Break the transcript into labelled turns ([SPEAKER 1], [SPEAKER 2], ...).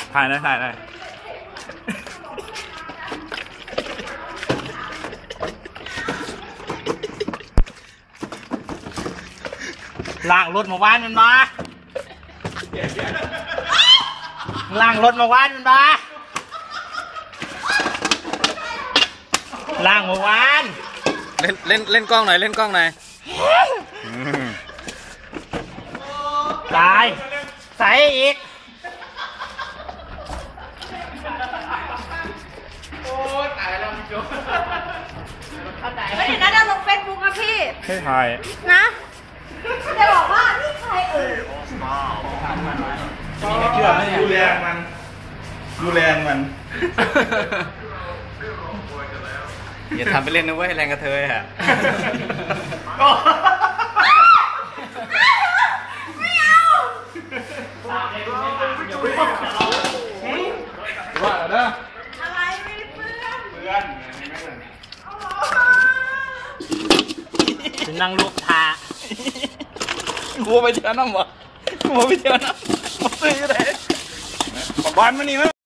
[SPEAKER 1] ถ่ายเลยถ่ายเลยล่างรถมาว่านมันมาล่างรถมาว่านมันมาล่างมาว่าน
[SPEAKER 2] เล่นกล้องหน่อยเล่นกล้องหน่อย
[SPEAKER 1] ตายใส่อีกโอ้ตายแล้วพี่โจ้
[SPEAKER 3] ไม่เห็นนะเราลงเฟซบุ๊กนะพี่
[SPEAKER 1] ให้ถ่าย
[SPEAKER 3] นะจะบอกว่านี่ใคร
[SPEAKER 1] เชื่อไหมดูแลมัน
[SPEAKER 2] อย่าทำไปเล่นนะเว้ยแรงกระเทยฮะ
[SPEAKER 3] ไม่เอา
[SPEAKER 1] ว่าแล้วนะ
[SPEAKER 3] อะไรไม่เพื่อน
[SPEAKER 1] นั่งลูกทา
[SPEAKER 2] กูไปเที่ยวน้ำวะกูไปเที่ยวน้ำมาซื้อเลยขอบอลมานี่มั้ย